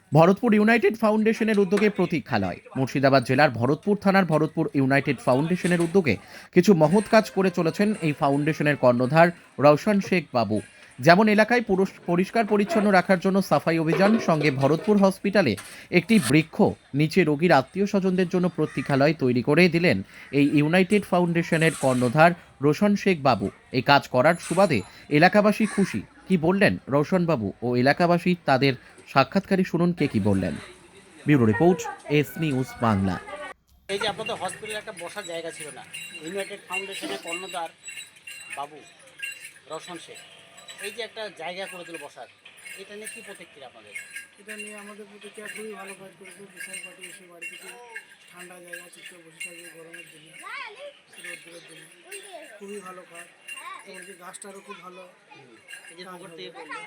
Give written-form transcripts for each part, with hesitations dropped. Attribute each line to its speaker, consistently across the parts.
Speaker 1: Bharatpur United ফাউন্ডেশনের উদ্যোগে প্রতীক্ষালয়। মুর্শিদাবাদ জেলার ভরতপুর থানার ভরতপুর ইউনাইটেড ফাউন্ডেশনের উদ্যোগে কিছু মহৎ কাজ করে চলেছেন এই ফাউন্ডেশনের কর্ণধার রওশন শেখ বাবু। যেমন এলাকায় পরিষ্কার পরিচ্ছন্ন রাখার জন্য সাফাই অভিযান, সঙ্গে ভরতপুর হসপিটালে একটি বৃক্ষ, নিচে রোগীর আত্মীয় স্বজনদের জন্য প্রতীক্ষালয় তৈরি করে দিলেন এই ইউনাইটেড ফাউন্ডেশনের কর্ণধার রোশন শেখ বাবু। এই কাজ করার সুবাদে এলাকাবাসী খুশি। কি বললেন রওশন বাবু ও এলাকাবাসী, তাদের সাক্ষাৎকারে শুনুন কে কি বললেন। Bureau report, S news Bangla.
Speaker 2: এই যে আপনাদের হসপিটালে একটা বসার জায়গা ছিল না, ইউনাইটেড ফাউন্ডেশনের কর্ণধার বাবু রওশন শেখ এই যে একটা জায়গা করে দিল বসার, এটা নিয়ে কী প্রতিক্রিয়া আপনাদের?
Speaker 3: এটা নিয়ে আমাদের প্রতিক্রিয়া খুবই ভালো কাজ করেছে। বিশাল পার্টি এসে বাড়ি থেকে ঠান্ডা জায়গা চুপচাপ বসে থাকবে গরমের দিনে, রোদ্দুরের দিনে, খুবই ভালো কাজ। এমনকি গাছটারও খুব ভালো
Speaker 2: এই যে
Speaker 3: কাজ
Speaker 2: খবর
Speaker 3: হবে।
Speaker 2: থেকে করলো,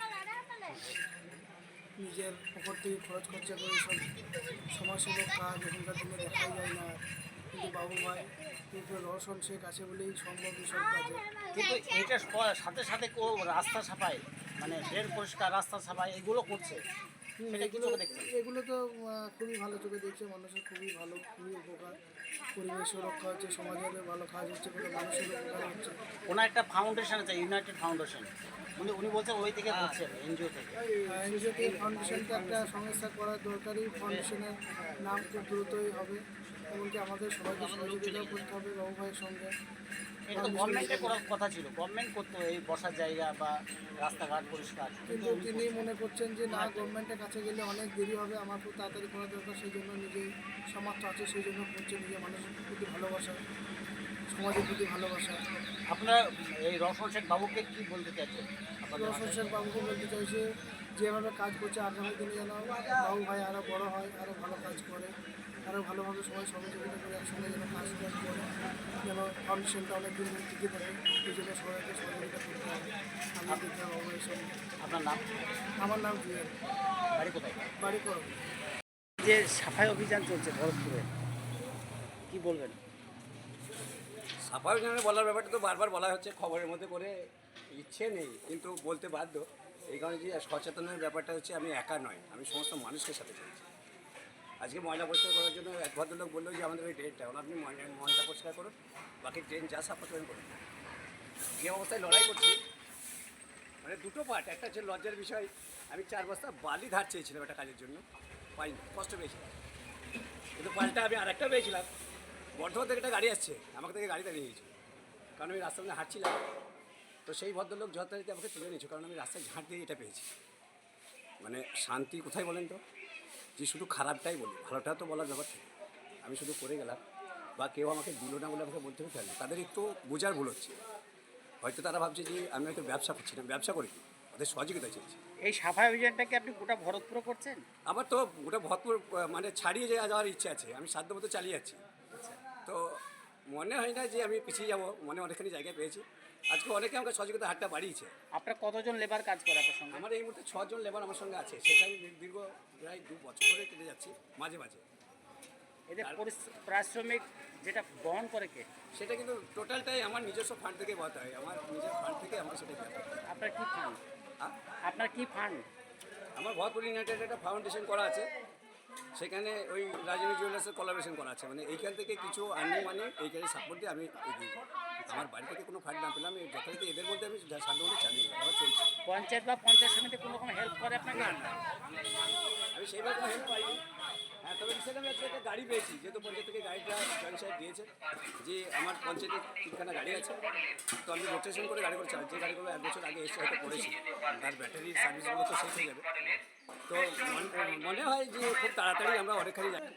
Speaker 3: নিজের পকেট থেকে খরচ খরচা করে সব সমাজসেবক কাজ এখনকার দিনে দেখাই যায় না, কিন্তু বাবু ভাই কিন্তু রওশন শেখ আছে বলেই সম্ভব এইসব কাজে।
Speaker 2: কিন্তু এটার সাথে সাথে রাস্তা সাফাই, মানে ড্রেন পরিষ্কার, রাস্তা সাফাই এগুলো করছে, সেটা কি চোখে দেখছেন?
Speaker 3: এগুলো তো খুবই ভালো চোখে দেখছে, মানুষের খুবই ভালো, খুবই উপকার। পরিবেশের রক্ষা হচ্ছে, সমাজের ভালো কাজ হচ্ছে, কোনো মানুষের উপকার হচ্ছে।
Speaker 2: ওনার একটা ফাউন্ডেশন আছে, ইউনাইটেড ফাউন্ডেশন, উনি বলছেন ওই থেকে করছেন, এনজিও থেকে।
Speaker 3: এনজিওটি ফাউন্ডেশনটা একটা সংস্থা করা দরকারি। ফাউন্ডেশনের নাম খুব দ্রুতই হবে, এমনকি আমাদের সবাইকে সহযোগিতাও করতে হবে বাবু ভাইয়ের সঙ্গে।
Speaker 2: এটা তো গভর্নমেন্টের করার কথা ছিল, গভর্নমেন্ট করতো এই বসার জায়গা বা রাস্তাঘাট পরিষ্কার,
Speaker 3: কিন্তু তিনি মনে করছেন যে না, গভর্নমেন্টের কাছে গেলে অনেক দেরি হবে, আমার খুব তাড়াতাড়ি করা দরকার, সেই জন্য নিজেই সামর্থ্য আছে, সেই জন্য করছে। নিজের মানুষের প্রতি ভালোবাসা, সমাজের প্রতি ভালোবাসা।
Speaker 2: আপনার এই রওশন শেখ বাবুকে কি বলতে চাইছেন? আপনাদের
Speaker 3: রওশন শেখ বাবুকে বলতে চাইছে, যেভাবে কাজ করছে আগামী দিনে যেন বাবু ভাই আরও বড় হয়, আরও ভালো কাজ করে, আরও ভালোভাবে সবাই সহযোগিতা করে একসঙ্গে যেন কাজ করে, যেন ফাউন্ডেশনটা অনেক দিন টিকে থাকে, এই জন্য সবাইকে সহযোগিতা করতে হবে। আমি দেখতে বাবু ভাইয়ের সঙ্গে।
Speaker 2: আপনার নাম,
Speaker 3: আমার নাম জুয়েল,
Speaker 2: বাড়ি কোথায়?
Speaker 3: বাড়ি করো।
Speaker 2: যে সাফাই অভিযান চলছে ভরতপুরে, কি বলবেন?
Speaker 4: সাফাই অভিযানে বলার ব্যাপারটা তো বারবার বলা হচ্ছে, খবরের মধ্যে করে ইচ্ছে নেই, কিন্তু বলতে বাধ্য। এই কারণে যে সচেতনের ব্যাপারটা হচ্ছে, আমি একা নয়, আমি সমস্ত মানুষকে সাথে চাইছি। আজকে ময়লা পরিষ্কার করার জন্য এক ভদ্রলোক বললো যে আমাদের ওই ড্রেনটা, আপনি ময়লা পরিষ্কার করুন, বাকি ড্রেন যা সাফা করেন করুন। যে অবস্থায় লড়াই করছি, মানে দুটো পার্ট, একটা হচ্ছে লজ্জার বিষয়, আমি 4 বস্তা বালি ধার চেয়েছিলাম একটা কাজের জন্য, পাইনি, কষ্ট পেয়েছিলাম। কিন্তু পাল্টা আমি আর একটা পেয়েছিলাম, বর্ধমান থেকে একটা গাড়ি আসছে, আমাকে থেকে গাড়ি দাঁড়িয়ে গেছে, কারণ আমি রাস্তার মধ্যে হাঁটছিলাম। তো সেই ভদ্রলোক যথারীতি আমাকে তুলে নিয়েছে, কারণ আমি রাস্তায় ঝাঁট দিয়ে এটা পেয়েছি। মানে শান্তি কোথায় বলেন তো, যে শুধু খারাপটাই বলি, ভালোটা তো বলার ব্যাপার থাকে। আমি শুধু করে গেলাম, বা কেউ আমাকে দিল না বলে আমাকে বলতে হবে, তাদের একটু বোঝার ভুল হচ্ছে। হয়তো তারা ভাবছে যে আমি হয়তো ব্যবসা করছি না, ব্যবসা করি, ওদের সহযোগিতা চেয়েছি।
Speaker 2: এই সাফাই অভিযানটাকে আপনি গোটা ভরতপুরে করছেন?
Speaker 4: আমার তো ওটা ভরপুর মানে ছাড়িয়ে যাওয়ার ইচ্ছে আছে, আমি সাধ্যমতো চালিয়ে যাচ্ছি। তো মনে হয় না যে আমি পিছিয়ে যাব, মনে অনেকখানি জায়গায় পেয়েছি। আজকে অনেকে আমাকে সহযোগিতা হাতটা বাড়িয়েছে।
Speaker 2: আপনার কতজন লেবার কাজ করে আপনার সঙ্গে?
Speaker 4: আমার এই মুহূর্তে 6 জন লেবার আমার সঙ্গে আছে, সেটা আমি দীর্ঘ প্রায় 2 বছর ধরে কেটে যাচ্ছি মাঝে মাঝে।
Speaker 2: এদের পারিশ্রমিক যেটা বহন করে কে?
Speaker 4: সেটা কিন্তু টোটালটাই আমার নিজস্ব ফান্ড থেকে বলতে হয়, আমার নিজের ফান্ড থেকে আমাকে সেটা দিতে হয়।
Speaker 2: আপনার কি ফান্ড?
Speaker 4: আ-
Speaker 2: আপনার কি ফান্ড?
Speaker 4: আমার ভরপুর ইউনাইটেড একটা ফাউন্ডেশন করা আছে, সেখানে ওই রাজনী জুয়েলার্সের কোলাবোরেশন করা আছে, মানে এইখান থেকে কিছু আর্নিং মানে এইখানে সাপোর্ট দিয়ে আমি এগিয়ে যাই। আমার বাড়ি থেকে কোনো ফান্ড না পেলাম, আমি যথারীতি এদের মধ্যে আমি সাধারণত চালিয়ে যাই, আমার চলছে।
Speaker 2: পঞ্চায়েত বা পঞ্চায়েত সমিতি কোনো রকম হেল্প করে আপনাকে?
Speaker 4: না না, আমি সেইভাবে কোনো হেল্প পাইনি। হ্যাঁ, তবে রিসেন্ট আমি আজকে একটা গাড়ি পেয়েছি, যেহেতু পঞ্চায়েত থেকে গাড়িটা জয়েন্ট সাহেব দিয়েছে, যে আমার পঞ্চায়েতে 3খানা গাড়ি আছে, তো আমি রোটেশন করে গাড়ি করে চালাই। যে গাড়িগুলো 1 বছর আগে এসে হয়তো পড়েছি, তার ব্যাটারি সার্ভিসগুলো তো শেষ হয়ে যাবে। তো মনে হয় যে খুব তাড়াতাড়ি আমরা অনেকখানি যাই।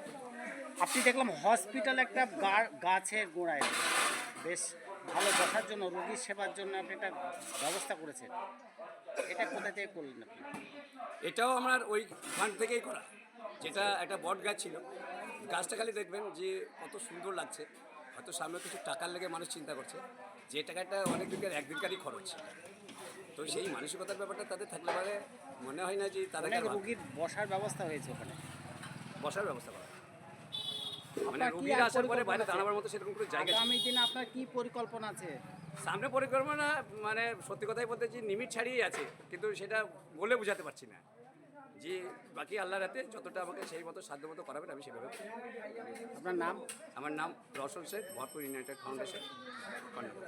Speaker 2: আপনি দেখলাম হসপিটাল একটা গাছের গোড়ায় বেশ ভালো বসার জন্য, রোগীর সেবার জন্য আপনি একটা ব্যবস্থা করেছেন, এটা কোথা থেকে করলেন আপনি?
Speaker 4: এটাও আমার ওই ফান্ড থেকেই করা, যেটা একটা বট গাছ ছিল। গাছটা খালি দেখবেন যে কত সুন্দর লাগছে, হয়তো সামনে কিছু টাকার লেগে মানুষ চিন্তা করছে, যে টাকাটা অনেক দিনকার একদিনকারই খরচ। তো সেই মানসিকতার ব্যাপারটা তাদের থাকলে পারে, মনে হয় না যে তাদেরকে
Speaker 2: অনেক রোগীর বসার ব্যবস্থা হয়েছে ওখানে।
Speaker 4: বসার ব্যবস্থা করা, মানে
Speaker 2: আপনার কি
Speaker 4: রুগীরা
Speaker 2: আর
Speaker 4: আসার পরে
Speaker 2: পরিকল্পনা
Speaker 4: বাইরে
Speaker 2: আছে?
Speaker 4: দাঁড়াবার মতো সেরকম কোনো জায়গা ছিল না।
Speaker 2: আগামী দিনে আপনার কি পরিকল্পনা আছে?
Speaker 4: সামনে পরিকল্পনা মানে সত্যি কথাই বলতে যে লিমিট ছাড়িয়েই আছে, কিন্তু সেটা বলে বোঝাতে পারছি না। যে বাকি আল্লাহর হাতে যতটা আমাকে সেই মতো সাধ্যমতো করাবেন আমি সেভাবে করব।
Speaker 2: আপনার নাম?
Speaker 4: আমার নাম রওশন শেখ, ভরপুর ইউনাইটেড ফাউন্ডেশন কর্ণধার।